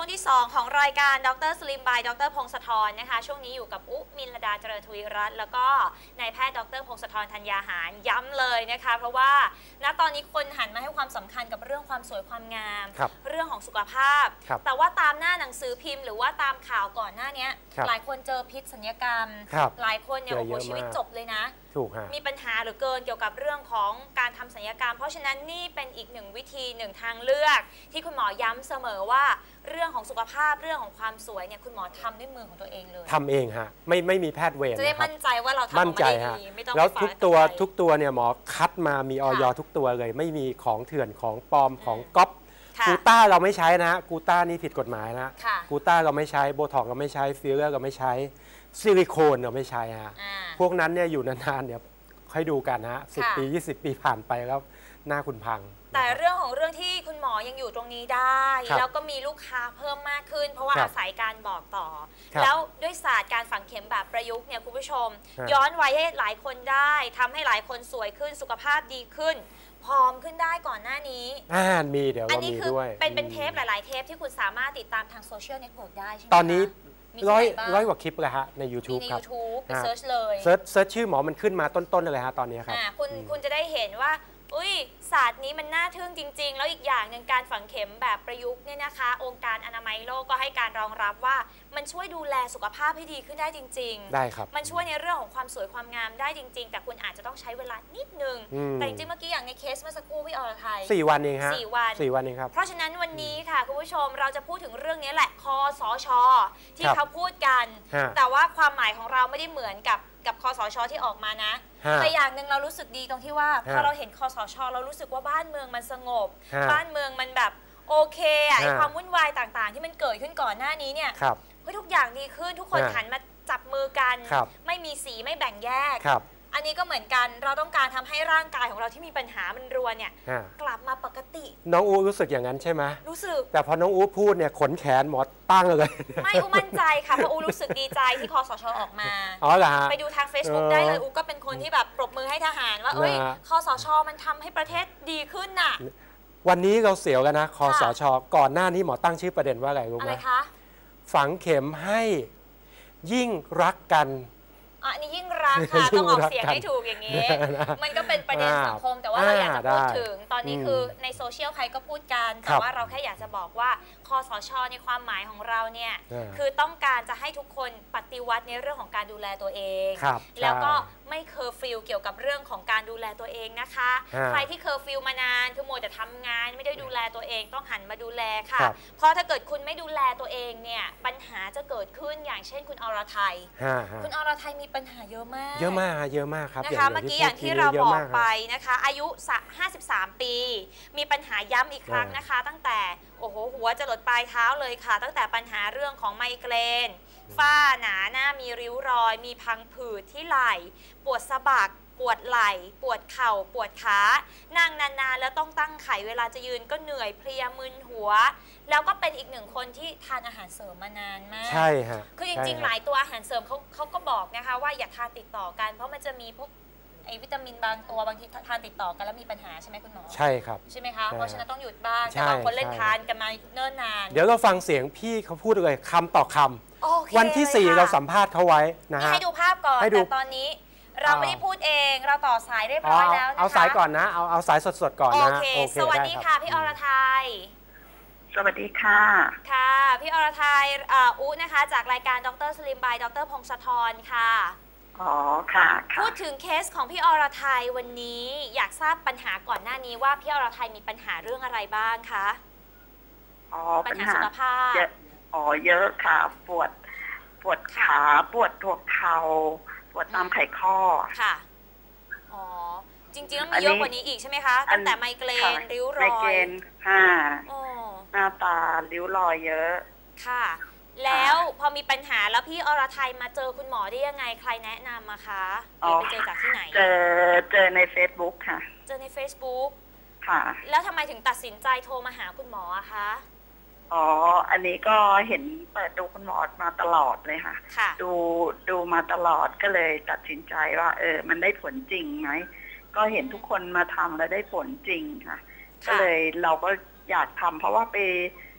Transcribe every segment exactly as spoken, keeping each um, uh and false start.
งที่สองของรายการดรสลิมบายดรพงศธรนะคะช่วงนี้อยู่กับอุมินลดาเจริญทวีรัตน์แล้วก็นายแพทย์ดรพงศธรธัญญาหารย้ำเลยนะคะเพราะว่าณตอนนี้คนหันมาให้ความสำคัญกับเรื่องความสวยความงาม ร, เรื่องของสุขภาพแต่ว่าตามหน้าหนังสือพิมพ์หรือว่าตามข่าวก่อนหน้านี้หลายคนเจอพิษสัญญกรรมหลายคนเนี่ยโอ้โหชีวิตจบเลยนะมีปัญหาหรือเกินเกี่ยวกับเรื่องของการทำศัลยกรรมเพราะฉะนั้นนี่เป็นอีกหนึ่งวิธีหนึ่งทางเลือกที่คุณหมอย้ำเสมอว่าเรื่องของสุขภาพเรื่องของความสวยเนี่ยคุณหมอทำด้วยมือของตัวเองเลยทำเองฮะไม่ไม่มีแพทย์เวรจะได้มั่นใจว่าเราทำออกมาได้ดีไม่ต้องแล้วทุกตัวทุกตัวเนี่ยหมอคัดมามีออยทุกตัวเลยไม่มีของเถื่อนของปลอมของก๊อปกูต้าเราไม่ใช้นะกูต้านี่ผิดกฎหมายนะกูต้าเราไม่ใช้โบท็อกเราไม่ใช้ฟิลเลอร์เราไม่ใช้ซิลิโคนเราไม่ใช้ฮะพวกนั้นเนี่ยอยู่นานๆเนี่ยค่อยดูกันนะสิบปียี่สิบปีผ่านไปแล้วหน้าคุณพังแต่เรื่องของเรื่องที่คุณหมอยังอยู่ตรงนี้ได้แล้วก็มีลูกค้าเพิ่มมากขึ้นเพราะว่าอาศัยการบอกต่อแล้วด้วยศาสตร์การฝังเข็มแบบประยุกต์เนี่ยคุณผู้ชมย้อนวัยให้หลายคนได้ทำให้หลายคนสวยขึ้นสุขภาพดีขึ้นผอมขึ้นได้ก่อนหน้านี้อ่ามีเดี๋ยวเรามีด้วยเป็นเป็นเทปหลายๆเทปที่คุณสามารถติดตามทางโซเชียลเน็ตเวิร์กได้ใช่ไหมตอนนี้ร้อยร้อยกว่าคลิปเลยฮะใน YouTube ครับใน YouTube ไปเซิร์ชเลยเซิร์ชเซิร์ชชื่อหมอมันขึ้นมาต้นๆเลยฮะตอนนี้ครับคุณคุณจะได้เห็นว่าอุ้ยศาสตร์นี้มันน่าทึ่งจริงๆแล้วอีกอย่างหนึ่งการฝังเข็มแบบประยุกต์เนี่ยนะคะองค์การอนามัยโลกก็ให้การรองรับว่ามันช่วยดูแลสุขภาพให้ดีขึ้นได้จริงๆได้ครับมันช่วยในเรื่องของความสวยความงามได้จริงๆแต่คุณอาจจะต้องใช้เวลานิดนึงแต่จริงๆเมื่อกี้อย่างในเคสเมื่อสักครู่พี่อรทัยสี่วันเองฮะสี่วันสี่วันเองครับเพราะฉะนั้นวันนี้ค่ะคุณผู้ชมเราจะพูดถึงเรื่องนี้แหละคสช.ที่เขาพูดกันแต่ว่าความหมายของเราไม่ได้เหมือนกับกับคสช.ที่ออกมานะแต่อย่างหนึ่งเรารู้สึกดีตรงที่ว่าพอเราเห็นคสช.เรารู้สึกว่าบ้านเมืองมันสงบบ้านเมืองมันแบบโอเคอะไอความวุ่นวายต่างๆที่มันเกิดขึ้นก่อนหน้านี้เนี่ยเฮ้ยทุกอย่างดีขึ้นทุกคนหันมาจับมือกันไม่มีสีไม่แบ่งแยกอันนี้ก็เหมือนกันเราต้องการทำให้ร่างกายของเราที่มีปัญหามันรวนเนี่ยกลับมาปกติน้องอูรู้สึกอย่างนั้นใช่ไหมรู้สึกแต่พอน้องอูพูดเนี่ยขนแขนหมดตั้งเลยไม่อูมั่นใจค่ะเพราะอูรู้สึกดีใจที่คสช.ออกมาอ๋อเหรอฮะไปดูทาง Facebook ได้เลยอูก็เป็นคนที่แบบปรบมือให้ทหารว่าเอ้ยคสช.มันทำให้ประเทศดีขึ้นน่ะวันนี้เราเสียวกันนะคสช.ก่อนหน้านี้หมอตั้งชื่อประเด็นว่าอะไรรู้ไหมฝังเข็มให้ยิ่งรักกันอันนี้ยิ่งรักค่ะต้องออกเสียงให้ถูกอย่างนี้มันก็เป็นประเด็นสังคมแต่ว่าเราอยากจะพูดถึงตอนนี้คือในโซเชียลใครก็พูดกันแต่ว่าเราแค่อยากจะบอกว่าคสช.ในความหมายของเราเนี่ยคือต้องการจะให้ทุกคนปฏิวัติในเรื่องของการดูแลตัวเองแล้วก็ไม่เคอร์ฟิวเกี่ยวกับเรื่องของการดูแลตัวเองนะคะใครที่เคอร์ฟิวมานานคือโมแต่ทำงานไม่ได้ดูแลตัวเองต้องหันมาดูแลค่ะเพราะถ้าเกิดคุณไม่ดูแลตัวเองเนี่ยปัญหาจะเกิดขึ้นอย่างเช่นคุณอรทัยคุณอรทัยมีปัญหาเยอะมากเยอะมากเยอะมากครับนะคะเมื่อกี้อย่างที่เราบอกไปนะคะอายุห้าสิบสามปีมีปัญหาย้ำอีกครั้งนะคะตั้งแต่โอ้โหหัวจะหลดปลายเท้าเลยค่ะตั้งแต่ปัญหาเรื่องของไมเกรนฝ้าหนาหน้ามีริ้วรอยมีพังผืดที่ไหล่ปวดสะบักปวดไหล่ปวดเข่าปวดขานั่งนานๆแล้วต้องตั้งไข่เวลาจะยืนก็เหนื่อยเพลียมึนหัวแล้วก็เป็นอีกหนึ่งคนที่ทานอาหารเสริมมานานมากใช่ฮะคือจริงๆหลายตัวอาหารเสริมเขาเขาก็บอกนะคะว่าอย่าทานติดต่อกันเพราะมันจะมีพวกไอวิตามินบางตัวบางทีทานติดต่อกันแล้วมีปัญหาใช่ไหมคุณหมอใช่ครับใช่ไหมคะเพราะฉะนั้นต้องหยุดบ้างแต่บางคนเล่นทานกันมาเนิ่นนานเดี๋ยวเราฟังเสียงพี่เขาพูดเลยคำต่อคำวันที่สี่เราสัมภาษณ์เขาไว้นะฮะให้ดูภาพก่อนแต่ตอนนี้เราไม่ได้พูดเองเราต่อสายเรียบร้อยแล้วนะคะเอาสายก่อนนะเอาเอาสายสดๆก่อนนะโอเคสวัสดีค่ะพี่อรทัยสวัสดีค่ะค่ะพี่อรทัยอุ๊นะคะจากรายการดรสลิมบายดรพงศธรค่ะอ๋อค่ะพูดถึงเคสของพี่อรทัยวันนี้อยากทราบปัญหาก่อนหน้านี้ว่าพี่อรทัยมีปัญหาเรื่องอะไรบ้างคะอ๋อปัญหาสุขภาพอ๋อเยอะค่ะปวดปวดขาปวดหัวเข่าปวดตามไขข้อค่ะอ๋อจริงๆแล้วมีเยอะกว่านี้อีกใช่ไหมคะตั้งแต่ไมเกรนริ้วรอยไมเกรนค่ะหน้าตาริ้วรอยเยอะค่ะแล้วพอมีปัญหาแล้วพี่อรทัยมาเจอคุณหมอได้ยังไงใครแนะนำมาคะหรือไปเจอจากที่ไหนเจอเจอใน Facebook ค่ะเจอใน Facebook ค่ะแล้วทำไมถึงตัดสินใจโทรมาหาคุณหมออะคะอ๋ออันนี้ก็เห็นเปิดดูคุณหมอมาตลอดเลยค่ะดูดูมาตลอดก็เลยตัดสินใจว่าเออมันได้ผลจริงไหมก็เห็นทุกคนมาทำแล้วได้ผลจริงค่ะก็เลยเราก็อยากทำเพราะว่าไปไป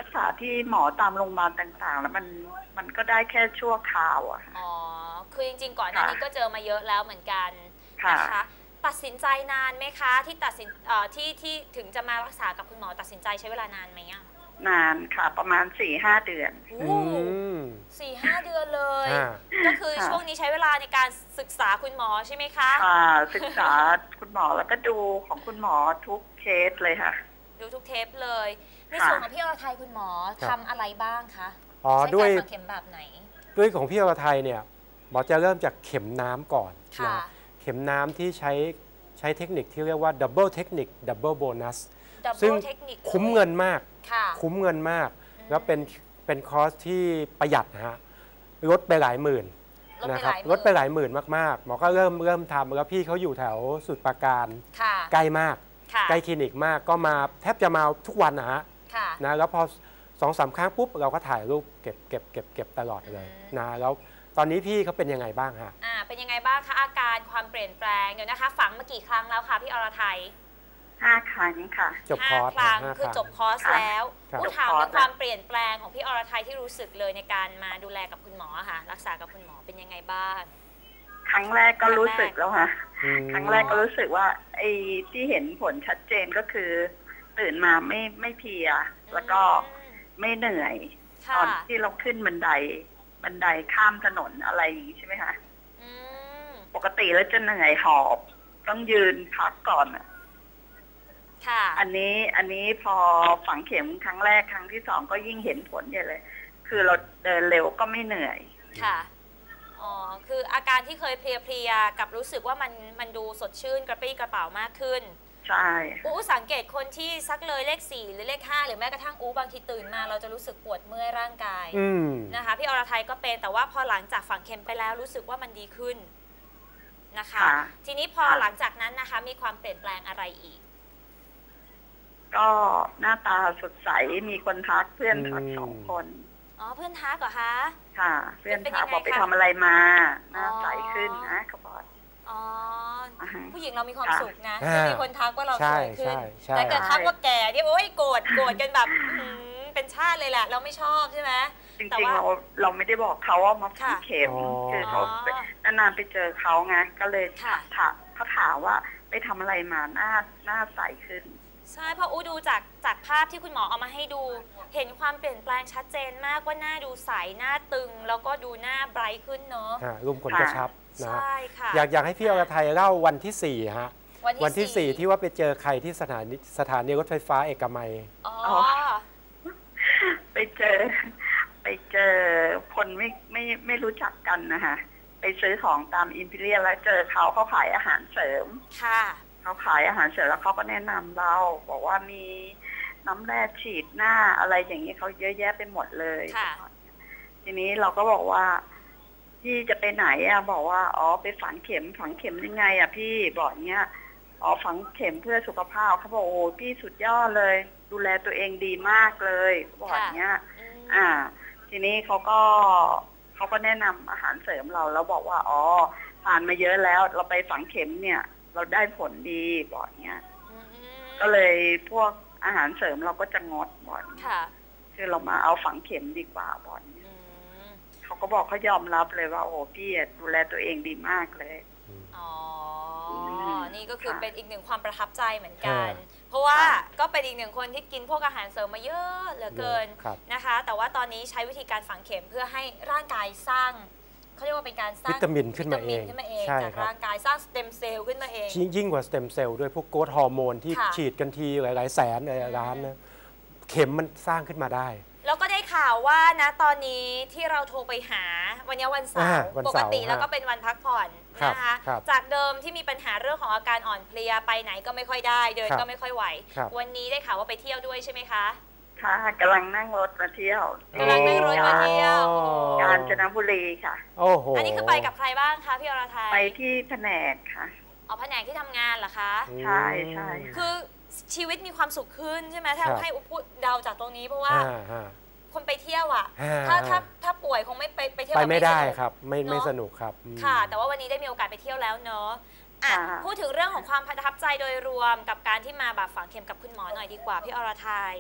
รักษาที่หมอตามโรงพยาบาลต่างๆ แล้วมันมันก็ได้แค่ชั่วคราวอะอ๋อคือจริงๆก่อนหน้านี้ก็เจอมาเยอะแล้วเหมือนกันนะคะตัดสินใจนานไหมคะที่ตัดสินเอ่อที่ที่ถึงจะมารักษากับคุณหมอตัดสินใจใช้เวลานานไหมอะนานค่ะประมาณสี่ห้าเดือนสี่ห้าเดือนเลยก็คือช่วงนี้ใช้เวลาในการศึกษาคุณหมอใช่ไหมคะค่ะศึกษาคุณหมอแล้วก็ดูของคุณหมอทุกเคสเลยค่ะดูทุกเทปเลยในส่วนของพี่อรทัยคุณหมอทำอะไรบ้างคะอ๋อด้วยเข็มแบบไหนด้วยของพี่อรทัยเนี่ยหมอจะเริ่มจากเข็มน้ำก่อนนะเข็มน้ำที่ใช้ใช้เทคนิคที่เรียกว่าดับเบิลเทคนิคดับเบิลโบนัสซึ่งคุ้มเงินมากคุ้มเงินมากแล้วเป็นเป็นคอร์สที่ประหยัดนะฮะลดไปหลายหมื่นนะครับลดไปหลายหมื่นมากๆหมอก็เริ่มเริ่มทำแล้วพี่เขาอยู่แถวสุดปราการใกล้มากใกล้คลินิกมากก็มาแทบจะมาทุกวันนะฮะนะแล้วพอสองสามครั้งปุ๊บเราก็ถ่ายรูปเก็บเก็บเก็บเก็บตลอดเลยนะแล้วตอนนี้พี่เขาเป็นยังไงบ้างฮะอ่าเป็นยังไงบ้างคะอาการความเปลี่ยนแปลงเดี๋ยวนะคะฝังมากี่ครั้งแล้วคะพี่อรทัยห้าครั้งค่ะจบคอร์สครั้งคือจบคอร์สแล้วผู้ถามถึงความเปลี่ยนแปลงของพี่อรทัยที่รู้สึกเลยในการมาดูแลกับคุณหมอค่ะรักษากับคุณหมอเป็นยังไงบ้างครั้งแรกก็รู้สึกแล้วค่ะครั้งแรกก็รู้สึกว่าไอ้ที่เห็นผลชัดเจนก็คือตื่นมาไม่ไม่เพลียแล้วก็ไม่เหนื่อยตอนที่เราขึ้นบันไดบันไดข้ามถนนอะไรอย่างนี้ใช่ไหมคะปกติแล้วจะเหนื่อยหอบต้องยืนพักก่อนอ่ะอันนี้อันนี้พอฝังเข็มครั้งแรกครั้งที่สองก็ยิ่งเห็นผลใหญ่เลย คือเราเดินเร็วก็ไม่เหนื่อยค่ะอ๋อคืออาการที่เคยเพลียๆกับรู้สึกว่ามันมันดูสดชื่นกระปรี้กระเป๋ามากขึ้นใช่อู้สังเกตคนที่ซักเลยเลขสี่หรือเลขห้าหรือแม้กระทั่งอู้บางทีตื่นมาเราจะรู้สึกปวดเมื่อยร่างกายนะคะพี่อรทัยก็เป็นแต่ว่าพอหลังจากฝังเข็มไปแล้วรู้สึกว่ามันดีขึ้นนะคะทีนี้พอหลังจากนั้นนะคะมีความเปลี่ยนแปลงอะไรอีกก็หน้าตาสดใสมีคนทักเพื่อนทักสองคนอ๋อเพื่อนทักเหรอคะค่ะเพื่อนทักบอกไปทำอะไรมาหน้าใสขึ้นนะเขาบอกอ๋อผู้หญิงเรามีความสุขนะมีคนทักว่าเราสวยขึ้นแต่เกิดทักว่าแก่ที่โอ๊ยโกรธโกรธกันแบบเป็นชาติเลยแหละเราไม่ชอบใช่ไหมจริงๆเราเราไม่ได้บอกเขาว่ามาฝังเข็มคือเขานานๆไปเจอเขาไงก็เลยถามเขาถามว่าไปทำอะไรมาหน้าหน้าใสขึ้นใช่เพราะอูดูจากจากภาพที่คุณหมอเอามาให้ดูเห็นความเปลี่ยนแปลงชัดเจนมากว่าหน้าดูใสหน้าตึงแล้วก็ดูหน้าไบรท์ขึ้นเนาะรูมขนกระชับนะใช่ค่ะอยากอยากให้พี่อรทัยเล่าวันที่สี่ฮะวันที่สี่ที่ว่าไปเจอใครที่สถานีสถานีรถไฟฟ้าเอกมัยอ๋อไปเจอไปเจอคนไม่ไม่ไม่รู้จักกันนะคะไปซื้อของตามอิมพีเรียลแล้วเจอเขาเขาขายอาหารเสริมค่ะเขาขายอาหารเสริมแล้วเขาก็แนะนำเราบอกว่ามีน้ำแร่ฉีดหน้าอะไรอย่างนี้เขาเยอะแยะไปหมดเลยทีนี้เราก็บอกว่าพี่จะไปไหนอ่ะบอกว่าอ๋อไปฝังเข็มฝังเข็มยังไงอ่ะพี่บอกเนี้ยอ๋อฝังเข็มเพื่อสุขภาพเขาบอกโอ้พี่สุดยอดเลยดูแลตัวเองดีมากเลยบอกเนี้ยอ่าทีนี้เขาก็เขาก็แนะนำอาหารเสริมเราแล้วบอกว่าอ๋อผ่านมาเยอะแล้วเราไปฝังเข็มเนี่ยเราได้ผลดีบอกเนี้ยก็เลยพวกอาหารเสริมเราก็จะงดบอกคือเรามาเอาฝังเข็มดีกว่าบอกเนี้ยเขาก็บอกเขายอมรับเลยว่าโอ้พี่ดูแลตัวเองดีมากเลยอ๋อนี่ก็คือเป็นอีกหนึ่งความประทับใจเหมือนกันเพราะว่าก็เป็นอีกหนึ่งคนที่กินพวกอาหารเสริมมาเยอะเหลือเกินนะคะแต่ว่าตอนนี้ใช้วิธีการฝังเข็มเพื่อให้ร่างกายสร้างเขาเรียกว่าเป็นการสร้างวิตามินขึ้นมาเองจากร่างกายสร้างสเต็มเซลล์ขึ้นมาเองยิ่งกว่าสเต็มเซลล์ด้วยพวกโกรทฮอร์โมนที่ฉีดกันทีหลายๆแสนหลายล้านนะเข็มมันสร้างขึ้นมาได้แล้วก็ได้ข่าวว่านะตอนนี้ที่เราโทรไปหาวันนี้วันเสาร์ปกติแล้วก็เป็นวันพักผ่อนนะคะจากเดิมที่มีปัญหาเรื่องของอาการอ่อนเพลียไปไหนก็ไม่ค่อยได้เดินก็ไม่ค่อยไหววันนี้ได้ข่าวว่าไปเที่ยวด้วยใช่ไหมคะค่ะกำลังนั่งรถมาเที่ยวกำลังนั่งรถมาเที่ยวกาญจนบุรีค่ะโอ้โหอันนี้คือไปกับใครบ้างคะพี่อรทัยไปที่แผนกค่ะอ๋อแผนกที่ทำงานเหรอคะใช่ใช่คือชีวิตมีความสุขขึ้นใช่ไหมถ้าให้อุปเดาจากตรงนี้เพราะว่าคนไปเที่ยวอ่ะถ้าถ้าถ้าป่วยคงไม่ไปไปเที่ยวไปไม่ได้ครับไม่ไม่สนุกครับค่ะแต่ว่าวันนี้ได้มีโอกาสไปเที่ยวแล้วเนอะอ่ะพูดถึงเรื่องของความประทับใจโดยรวมกับการที่มาแบบฝังเข็มกับคุณหมอหน่อยดีกว่าพี่อรทัย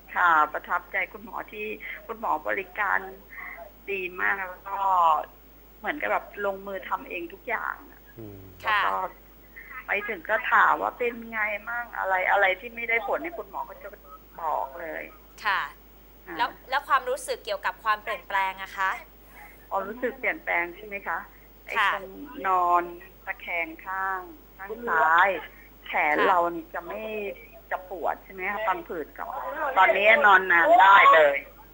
ค่ะประทับใจคุณหมอที่คุณหมอบริการดีมากแล้วก็เหมือนกับแบบลงมือทำเองทุกอย่างแล้วก็ไปถึงก็ถามว่าเป็นไงมั่งอะไรอะไรที่ไม่ได้ผลนี่คุณหมอก็จะบอกเลยค่ะแล้วแล้วความรู้สึกเกี่ยวกับความเปลี่ยนแปลงอะคะอ๋อรู้สึกเปลี่ยนแปลงใช่ไหมคะไอ้ตรงนอนตะแคงข้างข้างซ้ายแขนเรานี่จะไม่จะปวดใช่ไหมคะฟันผืดก่อนตอนนี้นอนนานได้เลย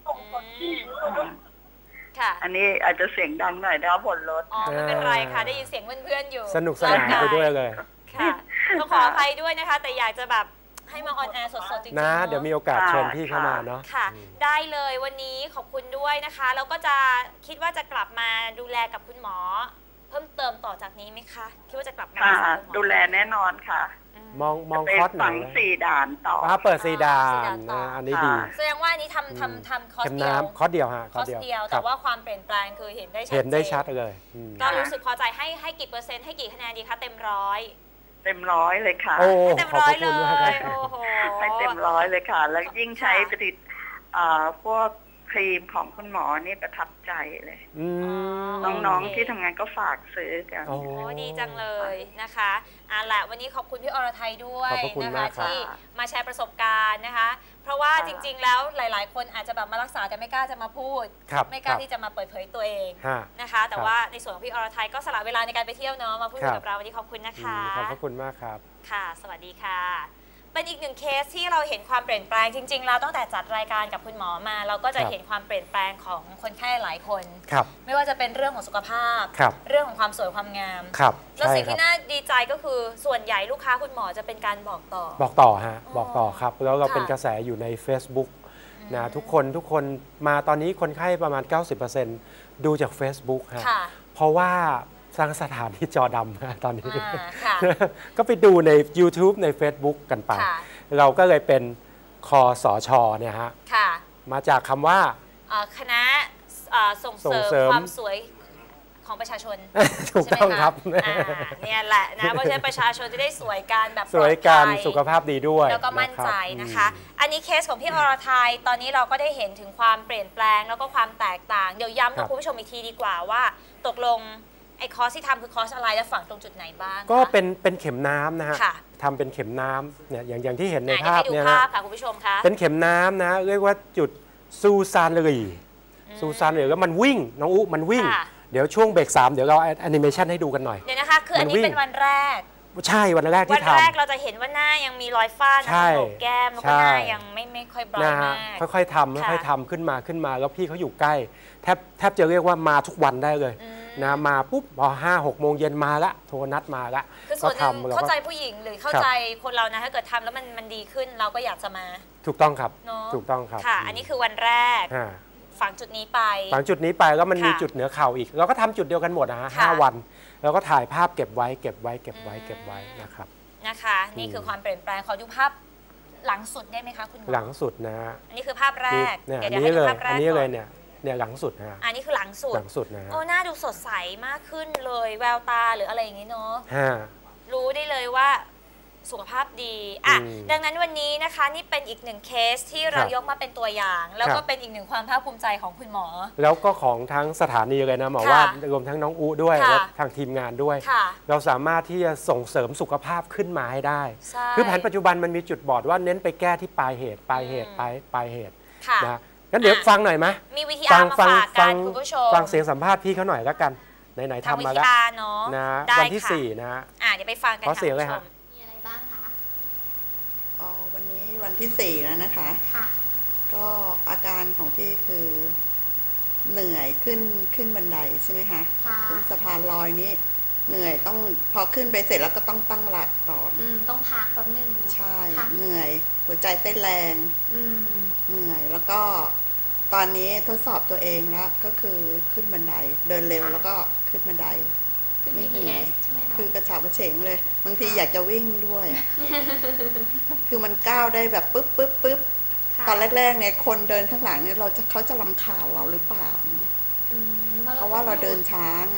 ค่ะอันนี้อาจจะเสียงดังหน่อยนะบนรถอ๋อไม่เป็นไรค่ะได้ยินเสียงเพื่อนๆอยู่สนุกสนานไปด้วยเลยค่ะต้องขออภัยด้วยนะคะแต่อยากจะแบบให้มาออนแอร์สดๆจริงๆนะเดี๋ยวมีโอกาสเชิญพี่เข้ามาเนาะค่ะได้เลยวันนี้ขอบคุณด้วยนะคะแล้วก็จะคิดว่าจะกลับมาดูแลกับคุณหมอเพิ่มเติมต่อจากนี้ไหมคะคิดว่าจะกลับมาดูแลแน่นอนค่ะมองมองคอร์สไหนสี่ด่านต่อเปิดสี่ด่านนะอันนี้ดีแสดงว่านี้ทำทำทำคอร์สเดียวคอร์สเดียวฮะคอร์สเดียวแต่ว่าความเปลี่ยนแปลงคือเห็นได้ชัดเห็นได้ชัดเลยก็รู้สึกพอใจให้ให้กี่เปอร์เซ็นต์ให้กี่คะแนนดีคะเต็มร้อยเต็มร้อยเลยค่ะเต็มร้อยเลยโอ้โหให้เต็มร้อยเลยค่ะแล้วยิ่งใช้ผลิตพวกครีมของคุณหมอนี่ประทับใจเลยน้องๆที่ทำงานก็ฝากซื้อกันโอ้ดีจังเลยนะคะอ่ะแหละวันนี้ขอบคุณพี่อรไทยด้วยนะคะที่มาแชร์ประสบการณ์นะคะเพราะว่าจริงๆแล้วหลายๆคนอาจจะแบบมารักษาแต่ไม่กล้าจะมาพูดไม่กล้าที่จะมาเปิดเผยตัวเองนะคะแต่ว่าในส่วนของพี่อรไทยก็สละเวลาในการไปเที่ยวเนาะมาพูดกับเราวันนี้ขอบคุณนะคะขอบคุณมากครับค่ะสวัสดีค่ะเป็นอีกหนึ่งเคสที่เราเห็นความเปลี่ยนแปลงจริงๆแล้วตั้งแต่จัดรายการกับคุณหมอมาเราก็จะเห็นความเปลี่ยนแปลงของคนไข้หลายคนไม่ว่าจะเป็นเรื่องของสุขภาพเรื่องของความสวยความงามแล้วสิ่งที่น่าดีใจก็คือส่วนใหญ่ลูกค้าคุณหมอจะเป็นการบอกต่อบอกต่อฮะบอกต่อครับแล้วเราเป็นกระแสอยู่ใน Facebook นะทุกคนทุกคนมาตอนนี้คนไข้ประมาณ เก้าสิบเปอร์เซ็นต์ ดูจาก Facebook ฮะเพราะว่าสร้างสถานที่จอดำตอนนี้ก็ไปดูใน YouTube ใน Facebook กันไปเราก็เลยเป็นคสช.เนี่ยฮะมาจากคำว่าคณะส่งเสริมความสวยของประชาชนถูกต้องครับเนี่ยแหละนะเพราะฉะนั้นประชาชนจะได้สวยกันแบบสวยกันสุขภาพดีด้วยแล้วก็มั่นใจนะคะอันนี้เคสของพี่อรไทยตอนนี้เราก็ได้เห็นถึงความเปลี่ยนแปลงแล้วก็ความแตกต่างเดี๋ยวย้ำกับคุณผู้ชมอีกทีดีกว่าว่าตกลงไอ้คอร์สที่ทำคือคอร์สอะไรและฝังตรงจุดไหนบ้างก็เป็นเป็นเข็มน้ำนะฮะทำเป็นเข็มน้ำเนี่ยอย่างอย่างที่เห็นในภาพเนี่ยนะค่ะคุณผู้ชมคะเป็นเข็มน้ำนะเรียกว่าจุดซูซานลีซูซานลีแล้วมันวิ่งน้องอุ๊มันวิ่งเดี๋ยวช่วงเบรกสามเดี๋ยวเราแอนิเมชันให้ดูกันหน่อยเดี๋ยวนะคะคืออันนี้เป็นวันแรกใช่วันแรกที่ทำวันแรกเราจะเห็นว่าหน้ายังมีรอยฝ้าหน้าโหนกแก้มแล้วก็หน้ายังไม่ไม่ค่อยบรอยมากค่อยๆทำค่อยๆทำขึ้นมาขึ้นมาแล้วพี่เขาอยู่ใกล้แทบแทบจะเรียกว่ามาทุกวันได้เลยนะมาปุ๊บพอห้าหกโมงเย็นมาละโทรนัดมาละคือส่วนหนึ่งเข้าใจผู้หญิงหรือเข้าใจคนเรานะถ้าเกิดทำแล้วมันมันดีขึ้นเราก็อยากจะมาถูกต้องครับถูกต้องครับค่ะอันนี้คือวันแรกฝังจุดนี้ไปฝังจุดนี้ไปแล้วมันมีจุดเหนือเข่าอีกเราก็ทำจุดเดียวกันหมดนะฮะห้าวันแล้วก็ถ่ายภาพเก็บไว้เก็บไว้เก็บไว้เก็บไว้นะครับนะคะนี่คือความเปลี่ยนแปลงขอดูภาพหลังสุดได้ไหมคะคุณหมอหลังสุดนะอันนี้คือภาพแรกเนี่ยอันนี้เลยอันนี้เลยเนี่ยเนี่ยหลังสุดนะอันนี้คือหลังสุดหลังสุดนะโอ้หน้าดูสดใสมากขึ้นเลยแววตาหรืออะไรอย่างนี้เนาะรู้ได้เลยว่าสุขภาพดีอ่ะดังนั้นวันนี้นะคะนี่เป็นอีกหนึ่งเคสที่เรายกมาเป็นตัวอย่างแล้วก็เป็นอีกหนึ่งความภาคภูมิใจของคุณหมอแล้วก็ของทั้งสถานีเลยนะหมอว่ารวมทั้งน้องอูด้วยและทางทีมงานด้วยเราสามารถที่จะส่งเสริมสุขภาพขึ้นมาให้ได้คือแผนปัจจุบันมันมีจุดบอดว่าเน้นไปแก้ที่ปลายเหตุปลายเหตุปลายปลายเหตุนะงั้นเดี๋ยวฟังหน่อยไหมมีวิธีการมาฝากกันคุณผู้ชมฟังเสียงสัมภาษณ์พี่เขาหน่อยแล้วกันไหนๆทำมาแล้วนะวันที่สี่นะอ่ะเดี๋ยวไปฟังกันค่ะขอเสียงเลยครับมีอะไรบ้างคะอ๋อวันนี้วันที่สี่แล้วนะคะค่ะก็อาการของพี่คือเหนื่อยขึ้นขึ้นบันไดใช่ไหมคะขึ้นสะพานลอยนี้เหนื่อยต้องพอขึ้นไปเสร็จแล้วก็ต้องตั้งหลักก่อนอืมต้องพักแป๊บนึงใช่เหนื่อยหัวใจเต้นแรงอืมเหนื่อยแล้วก็ตอนนี้ทดสอบตัวเองแล้วก็คือขึ้นบันไดเดินเร็วแล้วก็ขึ้นบันไดไม่เหนื่อยคือกระฉับกระเฉงเลยบางทีอยากจะวิ่งด้วยคือมันก้าวได้แบบปึ๊บปึ๊บปึ๊บตอนแรกๆเนี่ยคนเดินข้างหลังเนี่ยเราจะเขาจะรำคาญเราหรือเปล่าเพราะว่าเราเดินช้าไง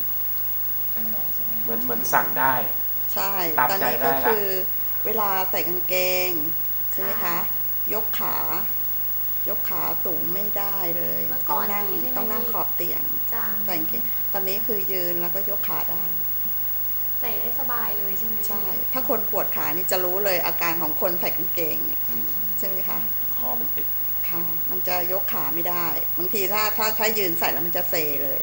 เหมือนเหมือนสั่งได้ใช่ตอนนี้ก็คือเวลาใส่กางเกงใช่ไหมคะยกขายกขาสูงไม่ได้เลยต้องนั่งต้องนั่งขอบเตียงแต่งเกงตอนนี้คือยืนแล้วก็ยกขาได้ใส่ได้สบายเลยใช่ไหมใช่ถ้าคนปวดขานี่จะรู้เลยอาการของคนใส่กางเกงใช่ไหมคะข้อมันติดค่ะมันจะยกขาไม่ได้บางทีถ้าถ้าถ้ายืนใส่แล้วมันจะเซเลย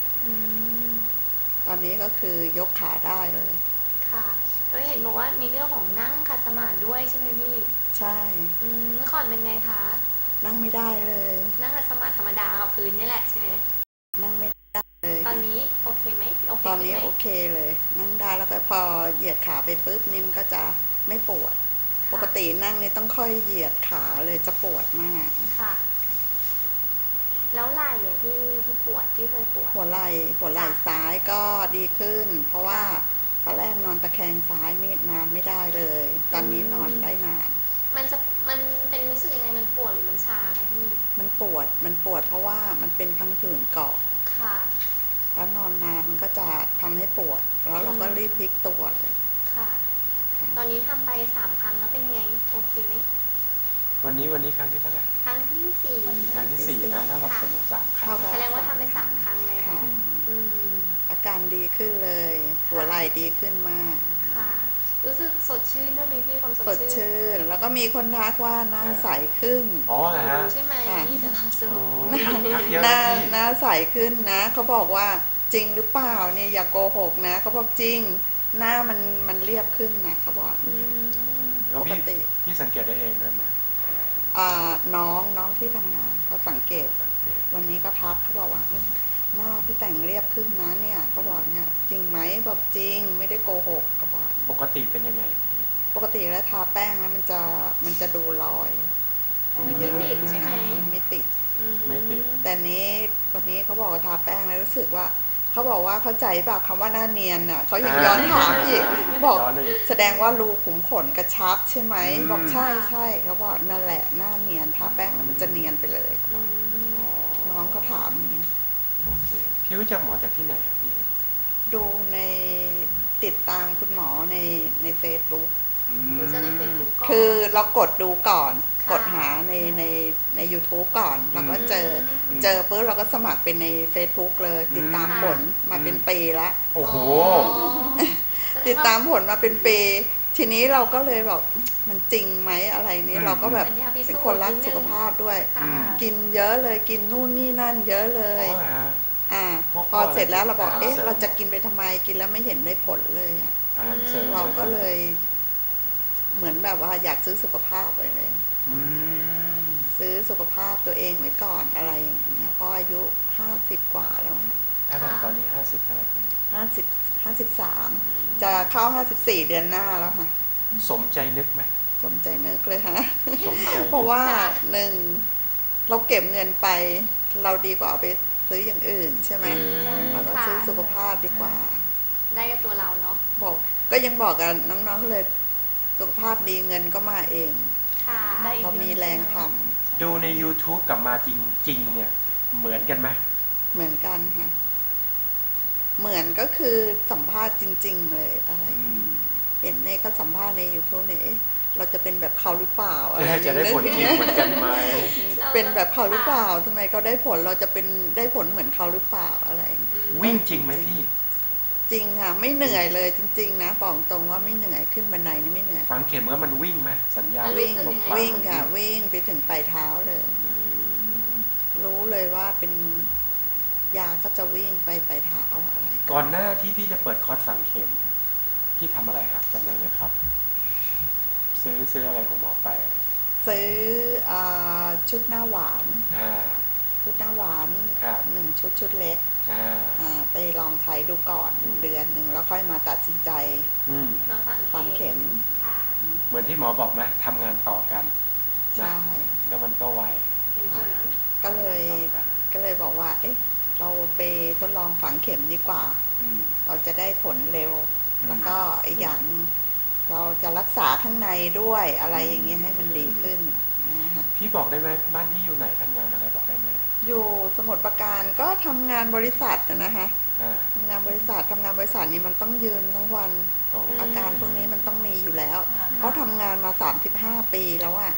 ตอนนี้ก็คือยกขาได้เลยค่ะแล้วเห็นบอกว่ามีเรื่องของนั่งขัดสมาธิด้วยใช่ไหมพี่ใช่เมื่อก่อนเป็นไงคะนั่งไม่ได้เลยนั่งขัดสมาธิธรรมดากับพื้นนี่แหละใช่ไหมนั่งไม่ได้เลยตอนนี้โอเคไหมโอเคตอนนี้โอเคเลยนั่งได้แล้วก็พอเหยียดขาไปปุ๊บนิ่มก็จะไม่ปวดปกตินั่งนี่ต้องค่อยเหยียดขาเลยจะปวดมากค่ะแล้วไหล่ที่ที่ปวดที่เคยปวดหัวไหล่หัวไหล่ซ้ายก็ดีขึ้นเพราะว่าตอนแรกนอนตะแคงซ้ายนี่นอนไม่ได้เลยตอนนี้นอนได้นานมันจะมันเป็นรู้สึกยังไงมันปวดหรือมันชาคะพี่มันปวดมันปวดเพราะว่ามันเป็นพังผืดเกาะค่ะแล้วนอนนานมันก็จะทำให้ปวดแล้วเราก็รีบพลิกตัวเลยค่ะตอนนี้ทำไปสามครั้งแล้วเป็นไงโอเคไหมวันนี้วันนี้ครั้งที่เท่าไหร่ครั้งที่สี่ครั้งที่สี่นะเท่ากับเป็นสามครั้งแสดงว่าทำไปสามครั้งแล้วอาการดีขึ้นเลยหัวไหล่ดีขึ้นมากค่ะรู้สึกสดชื่นด้วยไหมพี่ความสดชื่นสดชื่นแล้วก็มีคนทักว่าหน้าใสขึ้นอ๋อฮะใช่ไหมเดี๋ยวสูหน้าหน้าใสขึ้นนะเขาบอกว่าจริงหรือเปล่าเนี่ยอย่าโกหกนะเขาบอกจริงหน้ามันมันเรียบขึ้นนะเขาบอกปกติพี่สังเกตได้เองด้วยไหมน้องน้องที่ทำงานเขาสังเกตวันนี้ก็ทักเขาบอกว่าหน้าพี่แต่งเรียบขึ้นนะเนี่ยเขาบอกเนี่ยจริงไหมบอกจริงไม่ได้โกหกเขาบอกปกติเป็นยังไงปกติแล้วทาแป้งแล้วมันจะมันจะดูรอยไม่ติดใช่ไหมไม่ติดไม่ติดแต่นี้วันนี้เขาบอกว่าทาแป้งแล้วรู้สึกว่าเขาบอกว่าเข้าใจป่ะคำว่าหน้าเนียนอ่ะเขายังย้อนถามอีกบอกแสดงว่ารูขุมขนกระชับใช่ไหมบอกใช่ใช่เขาบอกนั่นแหละหน้าเนียนทาแป้งแล้วมันจะเนียนไปเลยเขาบอกน้องเขาถามนี้โอเคพี่รู้จักหมอจากที่ไหนพี่ดูในติดตามคุณหมอในในเฟซบุ๊กคือเรากดดูก่อนกดหาในในใน ยูทูบ ก่อนแล้วก็เจอเจอปุ๊บเราก็สมัครเป็นใน เฟซบุ๊ก เลยติดตามผลมาเป็นปีละโอ้โหติดตามผลมาเป็นปีทีนี้เราก็เลยบอกมันจริงไหมอะไรนี้เราก็แบบเป็นคนรักสุขภาพด้วยกินเยอะเลยกินนู่นนี่นั่นเยอะเลยอ่าพอเสร็จแล้วเราบอกเอ๊ะเราจะกินไปทำไมกินแล้วไม่เห็นได้ผลเลยอ่ะเราก็เลยเหมือนแบบว่าอยากซื้อสุขภาพไปเลยซื้อสุขภาพตัวเองไว้ก่อนอะไรอย่างเงี้ยเพราะอายุห้าสิบกว่าแล้วถ้าแบบตอนนี้ห้าสิบเท่าไหร่ห้าสิบห้าสิบสามจะเข้าห้าสิบสี่เดือนหน้าแล้วค่ะสมใจนึกไหมสมใจนึกเลยค่ะเพราะว่าหนึ่งเราเก็บเงินไปเราดีกว่าเอาไปซื้ออย่างอื่นใช่ไหมเราก็ซื้อสุขภาพดีกว่าได้กับตัวเราเนาะบอกก็ยังบอกกันน้องๆเลยสุขภาพดีเงินก็มาเองเรามีแรงทำดูใน ยูทูบ กับมาจริงๆเนี่ยเหมือนกันไหมเหมือนกันค่ะเหมือนก็คือสัมภาษณ์จริงๆเลยอะไรเห็นในก็สัมภาษณ์ใน ยูทูบ เนี่ยเราจะเป็นแบบเขาหรือเปล่าอะไรจะได้ผลจริงเหมือนกันไหมเป็นแบบเขาหรือเปล่าทำไมเขาได้ผลเราจะเป็นได้ผลเหมือนเขาหรือเปล่าอะไรวิ่งจริงไหมพี่จริงค่ะไม่เหนื่อยเลยจริงๆนะบอกตรงว่าไม่เหนื่อยขึ้นบันไดนี่ไม่เหนื่อยฝังเข็มว่ามันวิ่งไหมสัญญาวิ่งวิ่งค่ะวิ่งไปถึงปลายเท้าเลยรู้เลยว่าเป็นยาก็จะวิ่งไปปลายเท้าเอาอะไรก่อนหน้าที่พี่จะเปิดคอร์สฝังเข็มพี่ทำอะไรครับจำได้ไหมครับซื้อซื้ออะไรของหมอไปซื้อชุดหน้าหวานชุดหน้าหวานหนึ่งชุดชุดเล็กไปลองใช้ดูก่อนเดือนหนึ่งแล้วค่อยมาตัดสินใจฝังเข็มเหมือนที่หมอบอกไหมทำงานต่อกันใช่แล้วมันก็ไวก็เลยก็เลยบอกว่าเอ๊ะเราไปทดลองฝังเข็มดีกว่าเราจะได้ผลเร็วแล้วก็อีกอย่างเราจะรักษาข้างในด้วยอะไรอย่างเงี้ยให้มันดีขึ้นพี่บอกได้ไหมบ้านที่อยู่ไหนทำงานอะไรบอกได้ไหมอยู่สมุทรปราการก็ทำงานบริษัทนะคะทำงานบริษัททำงานบริษัทนี้มันต้องยืนทั้งวันอาการพวกนี้มันต้องมีอยู่แล้วเขาทำงานมาสามสิบห้าปีแล้วอ่ะ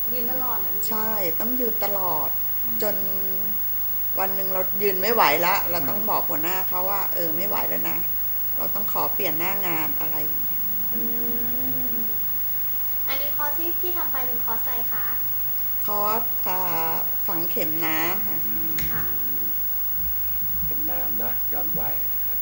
ยืนตลอดเลยใช่ต้องยืนตลอดจนวันหนึ่งเรายืนไม่ไหวแล้วเราต้องบอกหัวหน้าเขาว่าเออไม่ไหวแล้วนะเราต้องขอเปลี่ยนหน้างานอะไรอย่างเงี้ยอันนี้คอร์สที่พี่ทำไปเป็นคอร์สอะไรคะคอร์สฝังเข็มน้ำค่ะค่ะเข็มน้ำนะย้อนวัยนะครับ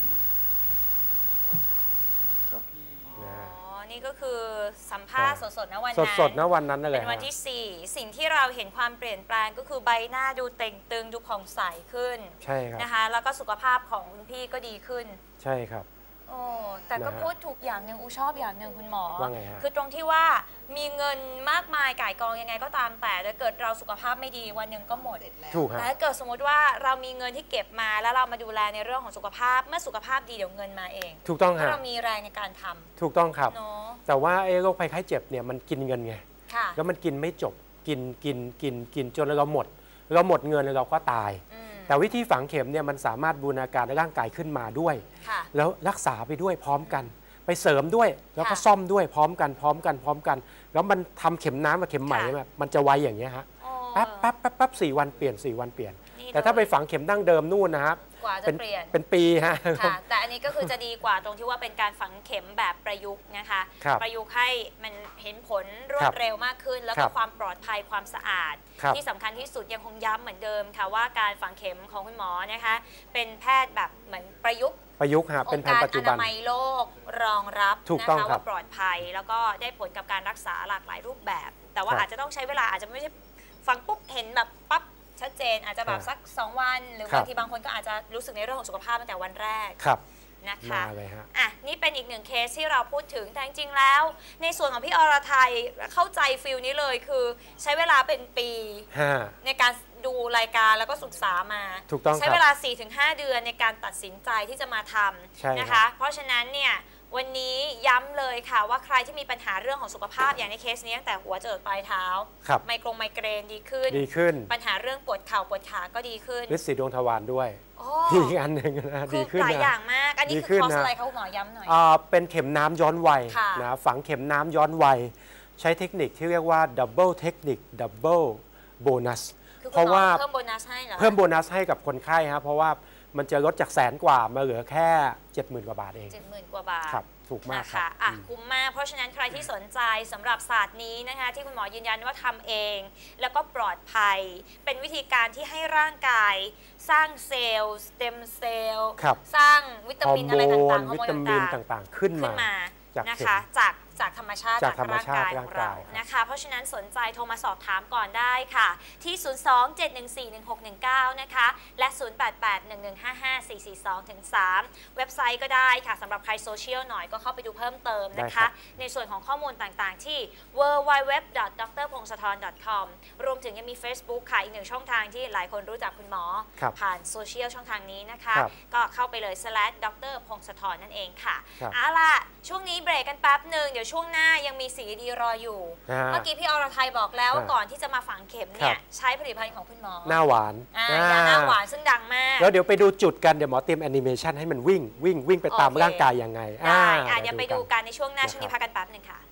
ก็พี่อ๋อนี่ก็คือสัมภาษณ์สดๆนะวันนั้นสดๆนะวันนั้นนั่นแหละเป็นวันที่สี่สิ่งที่เราเห็นความเปลี่ยนแปลงก็คือใบหน้าดูเต่งตึงดูผ่องใสขึ้นใช่ครับนะคะแล้วก็สุขภาพของคุณพี่ก็ดีขึ้นใช่ครับโอ้แต่ก็พูดถูกอย่างหนึ่งอูชอบอย่างหนึ่งคุณหมอว่าไงฮะคือตรงที่ว่ามีเงินมากมายก่ายกองยังไงก็ตามแต่ถ้าเกิดเราสุขภาพไม่ดีวันหนึ่งก็หมดถูกครับแต่ถ้าเกิดสมมติว่าเรามีเงินที่เก็บมาแล้วเรามาดูแลในเรื่องของสุขภาพเมื่อสุขภาพดีเดี๋ยวเงินมาเองถูกต้องครับเรามีแรงในการทำถูกต้องครับ no. แต่ว่าไอ้โรคภัยไข้เจ็บเนี่ยมันกินเงินไงแล้วมันกินไม่จบกินกินกินกินจนเราหมดเราหมดเงินแล้วเราก็ตายแต่วิธีฝังเข็มเนี่ยมันสามารถบูรณาการร่างกายขึ้นมาด้วยแล้วรักษาไปด้วยพร้อมกันไปเสริมด้วยแล้วก็ซ่อมด้วยพร้อมกันพร้อมกันพร้อมกันแล้วมันทำเข็มน้ำกับเข็มไหมมันจะไวอย่างเงี้ยฮะแป๊บแป๊บแป๊บแป๊บสี่วันเปลี่ยนสี่วันเปลี่ยนแต่ถ้าไปฝังเข็มดั้งเดิมนู่นนะครับกว่าจะเปลี่ยนเป็นปีฮะแต่อันนี้ก็คือจะดีกว่าตรงที่ว่าเป็นการฝังเข็มแบบประยุกต์นะคะประยุกต์ให้มันเห็นผลรวดเร็วมากขึ้นแล้วก็ความปลอดภัยความสะอาดที่สำคัญที่สุดยังคงย้ำเหมือนเดิมค่ะว่าการฝังเข็มของคุณหมอนะคะเป็นแพทย์แบบเหมือนประยุกต์ประยุกต์ครับเป็นแพทย์ปัจจุบันองค์การอนามัยโลกรองรับนะคะว่าปลอดภัยแล้วก็ได้ผลกับการรักษาหลากหลายรูปแบบแต่ว่าอาจจะต้องใช้เวลาอาจจะไม่ใช่ฝังปุ๊บเห็นแบบปั๊บชัดเจนอาจจะแบบสักสองวันหรือบางทีบางคนก็อาจจะรู้สึกในเรื่องของสุขภาพตั้งแต่วันแรกนะคะอ่ะนี่เป็นอีกหนึ่งเคสที่เราพูดถึงแต่จริงๆแล้วในส่วนของพี่อรไทยเข้าใจฟิลนี้เลยคือใช้เวลาเป็นปีในการดูรายการแล้วก็ศึกษามาใช้เวลา สี่ถึงห้า เดือนในการตัดสินใจที่จะมาทำนะคะเพราะฉะนั้นเนี่ยวันนี้ย้ำเลยค่ะว่าใครที่มีปัญหาเรื่องของสุขภาพอย่างในเคสนี้ตั้งแต่หัวจรดปลายเท้าไมโครไมเกรนดีขึ้นดีขึ้นปัญหาเรื่องปวดเข่าปวดขาก็ดีขึ้นฤทธิ์สีดวงทวารด้วยอีกอันหนึ่งนะดีขึ้นหลายอย่างมากอันนี้คือคอร์สอะไรคะคุณหมอย้ำหน่อยเป็นเข็มน้ำย้อนวัยนะฝังเข็มน้ำย้อนวัยใช้เทคนิคที่เรียกว่าดับเบิลเทคนิคดับเบิลโบนัสเพราะว่าเพิ่มโบนัสให้เหรอเพิ่มโบนัสให้กับคนไข้ครับเพราะว่ามันจะลดจากแสนกว่ามาเหลือแค่ เจ็ดหมื่น กว่าบาทเองเจ็ดหมื่น กว่าบาทครับถูกมากค่ะอ่ะคุ้มมากเพราะฉะนั้นใครที่สนใจสำหรับศาสตร์นี้นะคะที่คุณหมอยืนยันว่าทำเองแล้วก็ปลอดภัยเป็นวิธีการที่ให้ร่างกายสร้างเซลล์สเต็มเซลล์สร้างวิตามินอะไรต่างๆฮอร์โมนต่างๆขึ้นมานะคะจากจากธรรมชาติจากร่างกายของเรานะคะเพราะฉะนั้นสนใจโทรมาสอบถามก่อนได้ค่ะที่ ศูนย์ สอง เจ็ด หนึ่ง สี่ หนึ่ง หก หนึ่ง เก้า นะคะและ ศูนย์ แปด แปด หนึ่ง หนึ่ง ห้า ห้า สี่ สี่ สอง สาม เว็บไซต์ก็ได้ค่ะสำหรับใครโซเชียลหน่อยก็เข้าไปดูเพิ่มเติมนะคะในส่วนของข้อมูลต่างๆที่ ดับเบิลยู ดับเบิลยู ดับเบิลยู ดอท ดร พงศธร ดอท คอม รวมถึงยังมี Facebook ค่ะอีกหนึ่งช่องทางที่หลายคนรู้จักคุณหมอผ่านโซเชียลช่องทางนี้นะคะก็เข้าไปเลย slash ดร พงศธรนั่นเองค่ะเอาล่ะช่วงนี้เบรกกันแป๊บหนึ่งเดี๋ยวช่วงหน้ายังมีสีดีรออยู่เมื่อกี้พี่อรไทยบอกแล้วว่าก่อนที่จะมาฝังเข็มเนี่ยใช้ผลิตภัณฑ์ของคุณหมอหน้าหวานยาหน้าหวานซึ่งดังมากแล้วเดี๋ยวไปดูจุดกันเดี๋ยวหมอเตรียมแอนิเมชันให้มันวิ่งวิ่งวิ่งไปตามร่างกายยังไงได้เดี๋ยวไปดูกันในช่วงหน้าช่วงนี้พักกันแป๊บหนึ่งค่ะ